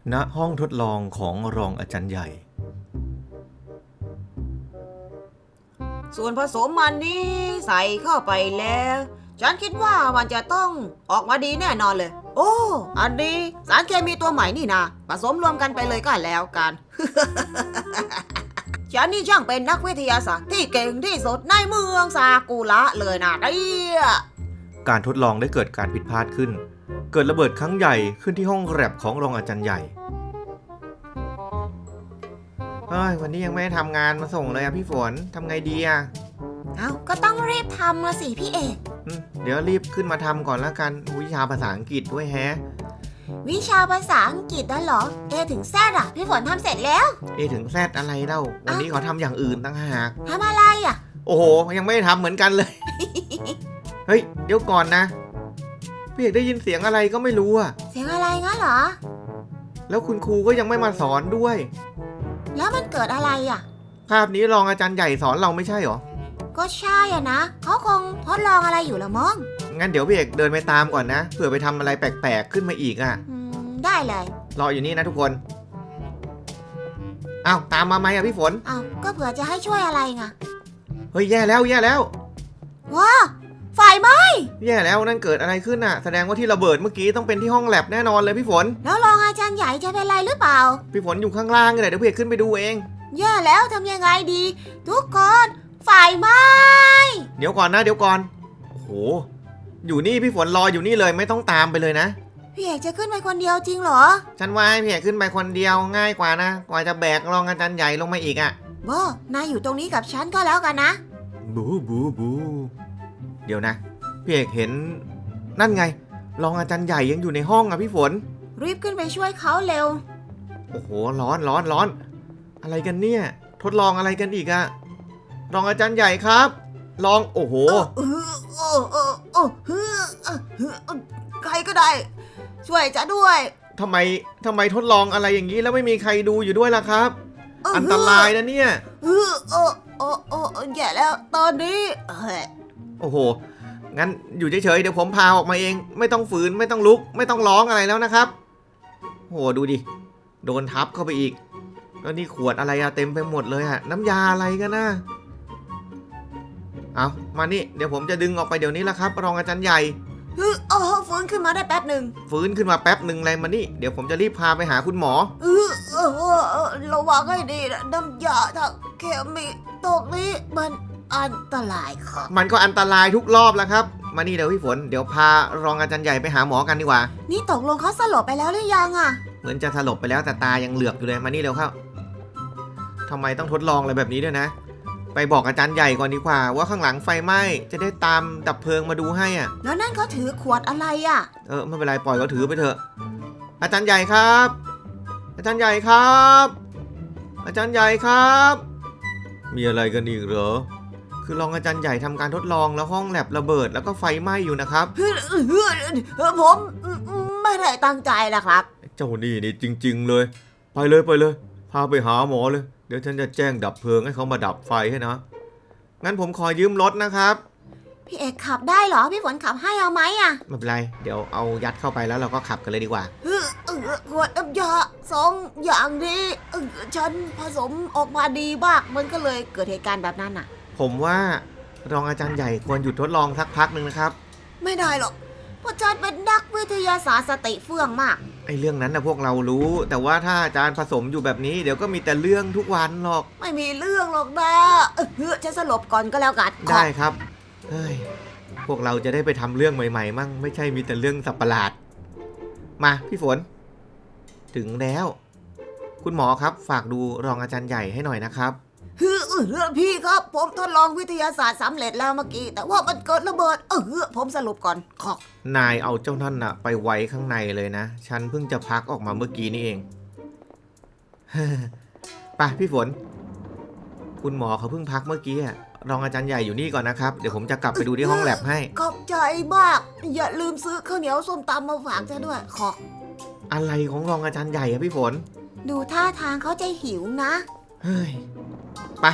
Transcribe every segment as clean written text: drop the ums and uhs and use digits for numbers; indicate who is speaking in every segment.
Speaker 1: ณห้องทดลองของรองอาจารย์ใหญ่
Speaker 2: ส่วนผสมมันนี้ใส่เข้าไปแล้วฉันคิดว่ามันจะต้องออกมาดีแน่นอนเลยโอ้อันนี้สารเคมีตัวใหม่นี่นะผสมรวมกันไปเลยก็แล้วกัน ฉันนี่ช่างเป็นนักวิทยาศาสตร์ที่เก่งที่สุดในเมืองซากุระเลยนะเนี่ย
Speaker 1: การทดลองได้เกิดการผิดพลาดขึ้นเกิดระเบิดครั้งใหญ่ขึ้นที่ห้องแลบของรองอาจารย์ใหญ่วันนี้ยังไม่ได้ทำงานมาส่งเลยอะพี่ฝนทำไงดีอะ
Speaker 2: เอาก็ต้องรีบทำมาสิพี่เอก
Speaker 1: เดี๋ยวรีบขึ้นมาทำก่อนแล้วกันวิชาภาษาอังกฤษด้วยแฮะ
Speaker 2: วิชาภาษาอังกฤษนั่นเหรอ A ถึง Z อะพี่ฝนทำเสร็จแล้ว
Speaker 1: A ถึง Z อะไรเล่าวันนี้เขาทำอย่างอื่นต่างหาก
Speaker 2: ทำอะไรอะ
Speaker 1: โอ้โหยังไม่ได้ทำเหมือนกันเลย เฮ้ยเดี๋ยวก่อนนะพี่เอกได้ยินเสียงอะไรก็ไม่รู้อะ
Speaker 2: เสียงอะไรงั้นเหรอ
Speaker 1: แล้วคุณครูก็ยังไม่มาสอนด้วย
Speaker 2: แล้วมันเกิดอะไรอะ
Speaker 1: ภาพนี้รองอาจารย์ใหญ่สอนเราไม่ใช่หรอ
Speaker 2: ก็ใช่อะนะเขาคงทดลองอะไรอยู่ละมั้ง
Speaker 1: งั้นเดี๋ยวพี่เอกเดินไปตามก่อนนะเผื่อไปทำอะไรแปลกๆขึ้นมาอีกอะ
Speaker 2: ได้เลย
Speaker 1: รออยู่นี่นะทุกคนอ้าวตามมาไหมอะพี่ฝน
Speaker 2: อ้าวก็เผื่อจะให้ช่วยอะไรไง
Speaker 1: เฮ้ยแย่แล้ว
Speaker 2: ว้าไฟไหม้
Speaker 1: แย่แล้วนั่นเกิดอะไรขึ้นอะแสดงว่าที่ระเบิดเมื่อกี้ต้องเป็นที่ห้องแลบแน่นอนเลยพี่ฝน
Speaker 2: แล้วรองอาจารย์ใหญ่จะเป็นไรหรือเปล่า
Speaker 1: พี่ฝนอยู่ข้างล่างเลยเดี๋ยวพี่เอกขึ้นไปดูเอง
Speaker 2: แย่แล้วทำยังไงดีทุกคนไฟไหม้
Speaker 1: เดี๋ยวก่อนโอ้โหอยู่นี่พี่ฝนรออยู่นี่เลยไม่ต้องตามไปเลยนะ
Speaker 2: พี่เอกจะขึ้นไปคนเดียวจริงเหรอ
Speaker 1: ฉันว่าพี่เอกขึ้นไปคนเดียวง่ายกว่านะกว่าจะแบกรองอาจารย์ใหญ่ลงมาอีกอะ
Speaker 2: นายอยู่ตรงนี้กับฉันก็แล้วกันนะ
Speaker 1: บูเดี๋ยวนะพี่เอกเห็นนั่นไงรองอาจารย์ใหญ่ยังอยู่ในห้องอะพี่ฝน
Speaker 2: รีบขึ้นไปช่วยเขาเร็ว
Speaker 1: โอ้โหร้อนอะไรกันเนี่ยทดลองอะไรกันอีกอะรองอาจารย์ใหญ่ครับลองโอ้โห
Speaker 2: ใครก็ได้ช่วยจะด้วย
Speaker 1: ทำไมทดลองอะไรอย่างนี้แล้วไม่มีใครดูอยู่ด้วยล่ะครับอันตรายนะเนี่ย
Speaker 2: แย่แล้วตอนนี้
Speaker 1: โอ้โหงั้นอยู่เฉยๆเดี๋ยวผมพาออกมาเองไม่ต้องฝืนไม่ต้องลุกไม่ต้องร้องอะไรแล้วนะครับโหดูดิโดนทับเข้าไปอีกแล้วนี่ขวดอะไรอะเต็มไปหมดเลยอะน้ำยาอะไรกันนะเอามานี่เดี๋ยวผมจะดึงออกไปเดี๋ยวนี้ละครับรองอาจารย์ใหญ่
Speaker 2: ฟื้นขึ้นมาได้แป๊บหนึ่ง
Speaker 1: ฟื้นขึ้นมาแป๊บหนึ่งอะไรมานี่เดี๋ยวผมจะรีบพาไปหาคุณหมอ
Speaker 2: ระวังให้ดีนะน้ำยาทางเคมีตรงนี้มันอันตรายครับ
Speaker 1: มันก็อันตรายทุกรอบแล้วครับมานี่เดี๋ยวพี่ฝนเดี๋ยวพารองอาจารย์ใหญ่ไปหาหมอกันดีกว่า
Speaker 2: นี่ตกลงเขาสลบไปแล้วหรือยังอะ
Speaker 1: เหมือนจะสลบไปแล้วแต่ตายังเหลือกอยู่เลยมานี่เร็วเข้าทำไมต้องทดลองอะไรแบบนี้ด้วยนะไปบอกอาจารย์ใหญ่ก่อนดีกว่าว่าข้างหลังไฟไหม้จะได้ตามดับเพลิงมาดูให้อ่ะ
Speaker 2: แล้วนั่นเขาถือขวดอะไรอ่ะ
Speaker 1: ไม่เป็นไรปล่อยเขาถือไปเถอะอาจารย์ใหญ่ครับอาจารย์ใหญ่ครับอาจารย์ใหญ่ครับมีอะไรกันอีกเหรอคือรองอาจารย์ใหญ่ทำการทดลองแล้วห้องแลบระเบิดแล้วก็ไฟไหม้อยู่นะครับ
Speaker 2: ผมไม่ได้ตั้งใจนะครับ
Speaker 1: เจ้านี่จริงๆเลยไปเลยพาไปหาหมอเลยเดี๋ยวฉันจะแจ้งดับเพลิงให้เขามาดับไฟให้นะงั้นผมขอยืมรถนะครับ
Speaker 2: พี่เอกขับได้เหรอพี่ฝนขับให้เอาไหมอ่ะ
Speaker 1: ไม่เป็นไรเดี๋ยวเอายัดเข้าไปแล้วเราก็ขับกันเลยดีกว่า
Speaker 2: ขวดน้ำยา2 อย่างนี้ฉันผสมออกมาดีมากมันก็เลยเกิดเหตุการณ์แบบนั้นอ่ะ
Speaker 1: ผมว่ารองอาจารย์ใหญ่ควรหยุดทดลองสักพักหนึ่งนะครับ
Speaker 2: ไม่ได้หรอกเพราะฉันเป็นนักวิทยาศาสตร์สติเฟื่องมาก
Speaker 1: ไอ้เรื่องนั้นนะพวกเรารู้แต่ว่าถ้าอาจารย์ผสมอยู่แบบนี้เดี๋ยวก็มีแต่เรื่องทุกวันหรอก
Speaker 2: ไม่มีเรื่องหรอกนะจะสลบก่อนก็แล้วกัน
Speaker 1: ได้ครับเฮ้ยพวกเราจะได้ไปทำเรื่องใหม่ๆมั่งไม่ใช่มีแต่เรื่องสับประหลาดมาพี่ฝนถึงแล้วคุณหมอครับฝากดูรองอาจารย์ใหญ่ให้หน่อยนะครับ
Speaker 2: พี่ครับผมทดลองวิทยาศาสตร์สำเร็จแล้วเมื่อกี้แต่ว่ามันเกิดระเบิดผมสรุปก่อน
Speaker 1: นายเอาเจ้านั่นน่ะไปไว้ข้างในเลยนะฉันเพิ่งจะพักออกมาเมื่อกี้นี่เองไปพี่ฝนคุณหมอเขาเพิ่งพักเมื่อกี้รองอาจารย์ใหญ่อยู่นี่ก่อนนะครับเดี๋ยวผมจะกลับไปดูที่ห้องแลบให้
Speaker 2: ขอบใจมากอย่าลืมซื้อข้าวเหนียวส้มตำมาฝากฉันด้วย
Speaker 1: อะไรของรองอาจารย์ใหญ่อะพี่ฝน
Speaker 2: ดูท่าทางเขาจะหิวนะ
Speaker 1: เฮ้ยไป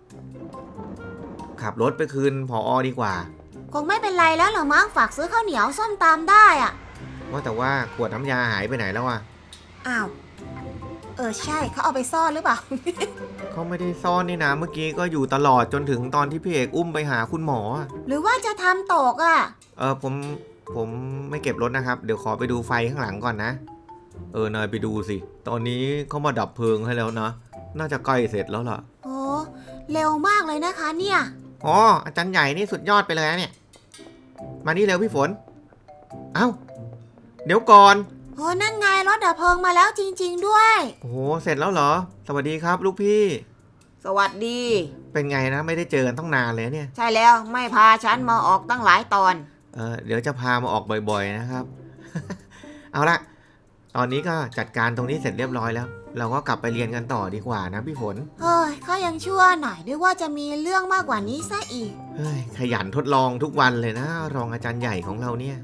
Speaker 1: ขับรถไปคืนผอ.ดีกว่า
Speaker 2: คงไม่เป็นไรแล้วหรอมั้งฝากซื้อข้าวเหนียวส้มตำได้อะ
Speaker 1: ว่าแต่ว่าขวดน้ำยาหายไปไหนแล้วอะ
Speaker 2: อ้าวใช่เขาเอาไปซ่อนหรือเปล่า
Speaker 1: เขาไม่ได้ซ่อนนี่นะเมื่อกี้ก็อยู่ตลอดจนถึงตอนที่พี่เอกอุ้มไปหาคุณหมออะ
Speaker 2: หรือว่าจะทำตกอ่ะ
Speaker 1: ผมไม่เก็บรถนะครับ เดี๋ยวขอไปดูไฟข้างหลังก่อนนะนายไปดูสิตอนนี้เขามาดับเพลิงให้แล้วนะน่าจะใกล้เสร็จแล้วล่ะ
Speaker 2: โอ้เร็วมากเลยนะคะเนี่ย
Speaker 1: อ๋ออาจารย์ใหญ่นี่สุดยอดไปเลยนะเนี่ยมานี่เร็วพี่ฝนเอ้าเดี๋ยวก่อน
Speaker 2: โอ้นั่นไงรถดับเพลิงมาแล้วจริงๆด้วย
Speaker 1: โอ้โหเสร็จแล้วเหรอสวัสดีครับลูกพี่
Speaker 2: สวัสดี
Speaker 1: เป็นไงนะไม่ได้เจอกันต้องนานเลยเนี่ย
Speaker 2: ใช่แล้วไม่พาฉันมาออกตั้งหลายตอน
Speaker 1: เดี๋ยวจะพามาออกบ่อยๆนะครับ เอาละตอนนี้ก็จัดการตรงนี้เสร็จเรียบร้อยแล้ว เราก็กลับไปเรียนกันต่อดีกว่านะพี่ฝน
Speaker 2: เฮ้ยเขายังชั่วหน่อยด้วยว่าจะมีเรื่องมากกว่านี้ซะอีก
Speaker 1: เฮ้ยขยันทดลองทุกวันเลยนะรองอาจารย์ใหญ่ของเราเนี่ย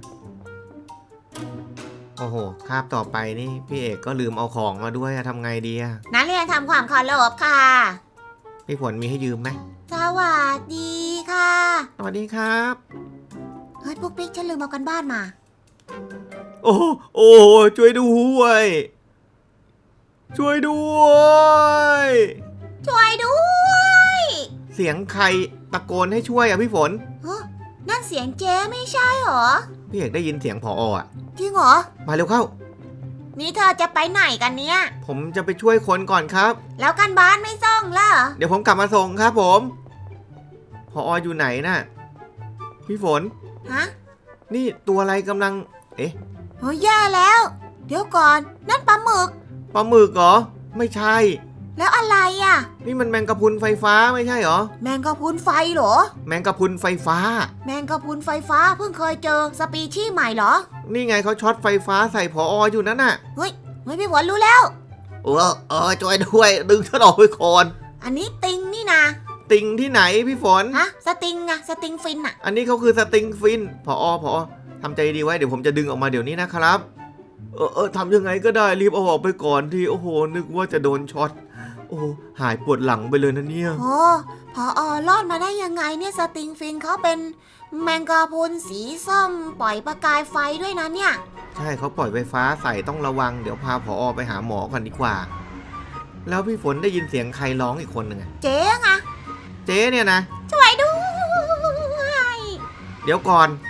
Speaker 1: โอ้โหคาบต่อไปนี่พี่เอกก็ลืมเอาของมาด้วยอะทำไงดีอะ
Speaker 2: นักเรียนทำความเคารพค่ะ
Speaker 1: พี่ฝนมีให้ยืมไหม
Speaker 2: สวัสดีค่ะ
Speaker 1: สวัสดีครับ
Speaker 2: เฮ้ยปุ๊กปิ๊กฉันลืมเอากันบ้านมา
Speaker 1: โอ้ช่วยด้วย ช่วยด้วย
Speaker 2: ช่วยด้วย
Speaker 1: เสียงใครตะโกนให้ช่วยอะพี่ฝน
Speaker 2: เฮ้ยนั่นเสียงเจ๊ไม่ใช่เหรอ
Speaker 1: พี่เอกได้ยินเสียงผออะ
Speaker 2: จริงเหรอ
Speaker 1: มาเร็วเข้า
Speaker 2: นี่เธอจะไปไหนกันเนี่ย
Speaker 1: ผมจะไปช่วยคนก่อนครับ
Speaker 2: แล้วกันบ้านไม่ส่งล่ะ
Speaker 1: เดี๋ยวผมกลับมาส่งครับผมผออยู่ไหนน่ะพี่ฝน
Speaker 2: ฮะ
Speaker 1: นี่ตัวอะไรกำลัง
Speaker 2: โอ้ยแย่แล้ว เดี๋ยวก่อน นั่นปลาหมึก
Speaker 1: ปลาหมึกเหรอไม่ใช่
Speaker 2: แล้วอะไรอ่ะ
Speaker 1: นี่มันแมงกะพรุนไฟฟ้าไม่ใช่เหรอ
Speaker 2: แมงกะพรุนไฟเหรอ
Speaker 1: แมงกะพรุนไฟฟ้า
Speaker 2: แมงกะพรุนไฟฟ้าเพิ่งเคยเจอสปีชีส์ใหม่เหรอ
Speaker 1: นี่ไงเขาช็อตไฟฟ้าใส่ผออยู่นั่นน่ะ
Speaker 2: เฮ้ยพี่ฝนรู้แล้ว
Speaker 1: ช่วยด้วยดึงฉันออกไปก่อน
Speaker 2: อันนี้ติงนี่นะ
Speaker 1: ติงที่ไหนพี่ฝน
Speaker 2: ฮะสติงอะสติงฟินอะ
Speaker 1: อันนี้เขาคือสติงฟินผอทำใจดีไว้เดี๋ยวผมจะดึงออกมาเดี๋ยวนี้นะครับทำยังไงก็ได้รีบเอาออกไปก่อนที่โอ้โหนึกว่าจะโดนช็อตโอ้หายปวดหลังไปเลยนะเนี่ย
Speaker 2: โอ้พอรอดมาได้ยังไงเนี่ยสติงฟินเขาเป็นแมงกะพรุนสีส้มปล่อยประกายไฟด้วยนะเนี่ย
Speaker 1: ใช่เขาปล่อยไฟฟ้าใส่ต้องระวังเดี๋ยวพาผอไปหาหมอกันดีกว่า แล้วพี่ฝนได้ยินเสียงใครร้องอีกคนหนึ่งอะ
Speaker 2: เจ๊งอะ
Speaker 1: เจ๊เนี่ยนะ
Speaker 2: ช่วยด้วย
Speaker 1: เดี๋ยวก่อน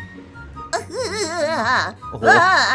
Speaker 1: โอ้โห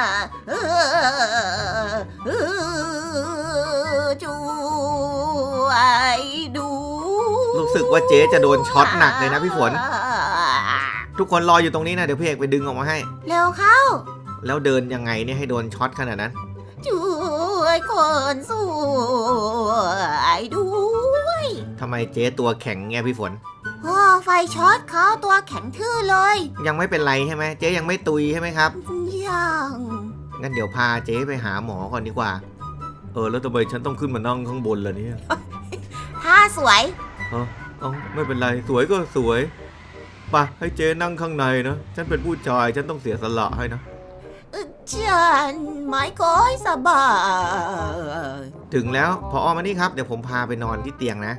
Speaker 2: ช่วยดู
Speaker 1: รู้สึกว่าเจ๊จะโดนช็อตหนักเลยนะพี่ฝน ทุกคนรออยู่ตรงนี้นะเดี๋ยวพี่เอกไปดึงออกมาให้
Speaker 2: เร็วเข้า
Speaker 1: แล้วเดินยังไงเนี่ยให้โดนช็อตขนาดนั้น
Speaker 2: ช่วยคนสวยด้วย
Speaker 1: ทำไมเจ๊ตัวแข็งไงพี่ฝน
Speaker 2: โอ้ไฟช็อตเขาตัวแข็งทื่อเลย
Speaker 1: ยังไม่เป็นไรใช่ไหมเจ๊ยังไม่ตุยใช่ไหมครับ
Speaker 2: ยัง
Speaker 1: งั้นเดี๋ยวพาเจ๊ไปหาหมอก่อนดีกว่า แล้วทำไมฉันต้องขึ้นมานั่งข้างบนล่ะเนี่ย
Speaker 2: ท่าสวย
Speaker 1: ไม่เป็นไรสวยก็สวยไปให้เจ๊นั่งข้างในนะฉันเป็นผู้ชายฉันต้องเสียสละให้นะ
Speaker 2: ฉันไม่ค่อยสบาย
Speaker 1: ถึงแล้วพอมานี่ครับเดี๋ยวผมพาไปนอนที่เตียงนะ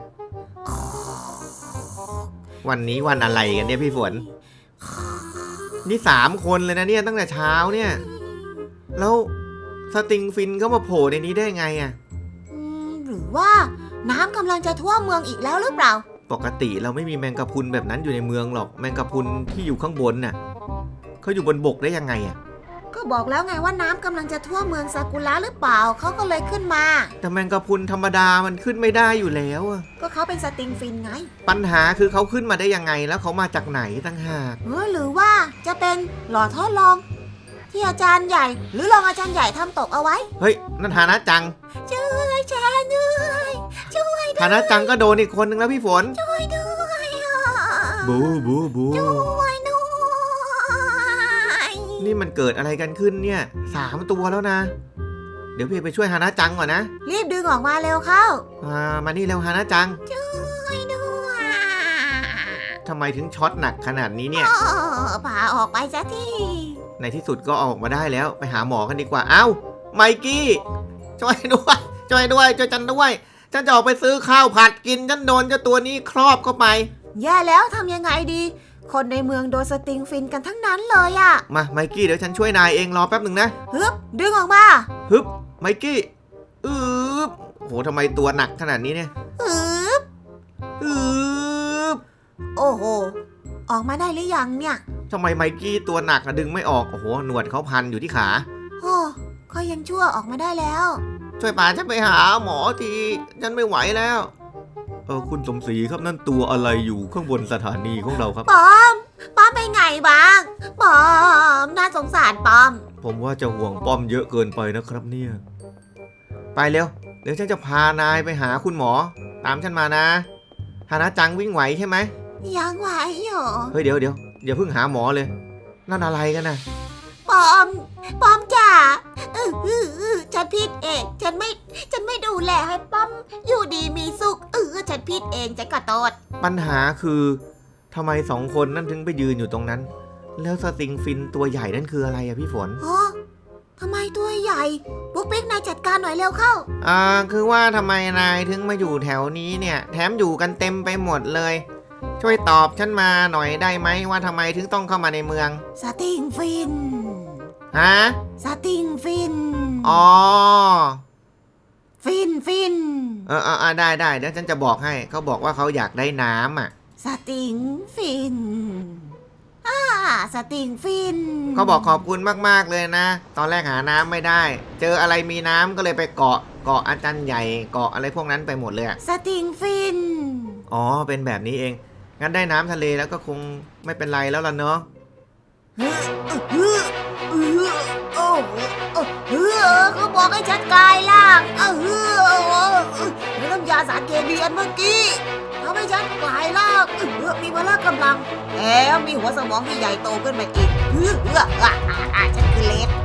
Speaker 1: วันนี้วันอะไรกันเนี่ยพี่ฝน นี่3 คนเลยนะเนี่ยตั้งแต่เช้าเนี่ย แล้วสติงฟินเขามาโผล่ในนี้ได้ไงอะ
Speaker 2: หรือว่าน้ำกำลังจะท่วมเมืองอีกแล้วหรือเปล่า
Speaker 1: ปกติเราไม่มีแมงกะพรุนแบบนั้นอยู่ในเมืองหรอกแมงกะพรุนที่อยู่ข้างบนน่ะเขาอยู่บนบกได้ยังไงอะ
Speaker 2: ก็บอกแล้วไงว่าน้ำกำลังจะท่วมเมืองซากุระหรือเปล่าเขาก็เลยขึ้นมา
Speaker 1: แต่แมงกะพรุนธรรมดามันขึ้นไม่ได้อยู่แล้วอะ
Speaker 2: ก็เขาเป็นสติงฟินไง
Speaker 1: ปัญหาคือเขาขึ้นมาได้ยังไงแล้วเขามาจากไหนตั้งหาก
Speaker 2: หรือว่าจะเป็นหลอดทดลอง ที่อาจารย์ใหญ่ หรือรองอาจารย์ใหญ่ทำตกเอาไว้
Speaker 1: เฮ้ยนั่นฐานะจัง
Speaker 2: ช่วยฉันด้วยช่วย
Speaker 1: ฐานะจังก็โดนอีกคนนึงแล้วพี่ฝน
Speaker 2: ช่วยด้วยอ่ะ
Speaker 1: บู
Speaker 2: ช่วยด้วย
Speaker 1: นี่มันเกิดอะไรกันขึ้นเนี่ย3 ตัวแล้วนะ เดี๋ยวพี่ไปช่วยฮานะจังก่อนนะ
Speaker 2: รีบดึงออกมาเร็วเข้า
Speaker 1: มานี่เร็วฮานะจัง
Speaker 2: ช่วยด้วย
Speaker 1: ทำไมถึงช็อตหนักขนาดนี้เนี่ย
Speaker 2: พาออกไปซะที
Speaker 1: ในที่สุดก็เอาออกมาได้แล้วไปหาหมอกันดีกว่า เอ้าไมกี้ช่วยด้วยช่วยฉันด้วยฉันจะออกไปซื้อข้าวผัดกินฉันโดนเจ้าตัวนี้ครอบเข้าไป
Speaker 2: แย่แล้วทำยังไงดี คนในเมืองโดนสติงฟินกันทั้งนั้นเลยอะ
Speaker 1: มาไมกี้เดี๋ยวฉันช่วยนายเองรอแป๊บหนึ่งนะ
Speaker 2: ฮึบดึงออกมา
Speaker 1: ฮึบไมกี้โอ้โหทำไมตัวหนักขนาดนี้เนี่ย
Speaker 2: อึบ
Speaker 1: อืบ
Speaker 2: โอ้โห ออกมาได้หรือยังเนี่ย
Speaker 1: ทำไมไมกี้ตัวหนักอะดึงไม่ออก โอ้โห หนวดเขาพันอยู่ที่ขา
Speaker 2: โอ้ก็ยังชั่วออกมาได้แล้ว
Speaker 1: ช่วยพาฉันไปหาหมอที ฉันไม่ไหวแล้ว คุณสมศรีครับนั่นตัวอะไรอยู่ข้างบนสถานีของเราครับ
Speaker 2: ปอมไปไงบ้างปอมน่าสงสารปอม
Speaker 1: ผมว่าจะห่วงป้อมเยอะเกินไปนะครับเนี่ย ไปเร็ว เดี๋ยวฉันจะพานายไปหาคุณหมอ ตามฉันมานะฮานะจังวิ่งไหวใช่ไหม
Speaker 2: ยังไหวอยู่
Speaker 1: เฮ้ยเดี๋ยวอย่าเพิ่งหาหมอเลย นั่นอะไรกันนะ
Speaker 2: ปอมจ๋าฉันผิดเองฉันไม่ดูแลให้ป้อมอยู่ดีมีสุขฉันผิดเองฉันขอโทษ
Speaker 1: ปัญหาคือทำไมสองคนนั่นถึงไปยืนอยู่ตรงนั้น แล้วสติงฟินตัวใหญ่นั่นคืออะไรอะพี่ฝน
Speaker 2: ทำไมตัวใหญ่ปุ๊กปิ๊กนายจัดการหน่อยเร็วเข้า
Speaker 1: คือว่าทำไมนายถึงมาอยู่แถวนี้เนี่ย แถมอยู่กันเต็มไปหมดเลย ช่วยตอบฉันมาหน่อยได้ไหมว่าทำไมถึงต้องเข้ามาในเมือง
Speaker 2: สติงฟิน
Speaker 1: ฮะ
Speaker 2: สติงฟิน
Speaker 1: อ๋อ
Speaker 2: ฟิน
Speaker 1: ได้เดี๋ยวฉันจะบอกให้ เขาบอกว่าเขาอยากได้น้ำอ่ะ
Speaker 2: สติงฟินสติงฟิน
Speaker 1: เขาบอกขอบคุณมากๆเลยนะ ตอนแรกหาน้ำไม่ได้ เจออะไรมีน้ำก็เลยไปเกาะอาจารย์ใหญ่เกาะอะไรพวกนั้นไปหมดเลยอะ
Speaker 2: สติงฟิน
Speaker 1: อ๋อเป็นแบบนี้เอง งั้นได้น้ำทะเลแล้วก็คงไม่เป็นไรแล้วล่ะเนาะ
Speaker 2: เขาบอกให้ฉันกลายร่างน้ำยาสารเคมีอันเมื่อกี้ทำให้ฉันกลายร่างมีพละกำลังแถมมีหัวสมองที่ใหญ่โตขึ้นมาอีกฉันคือเลด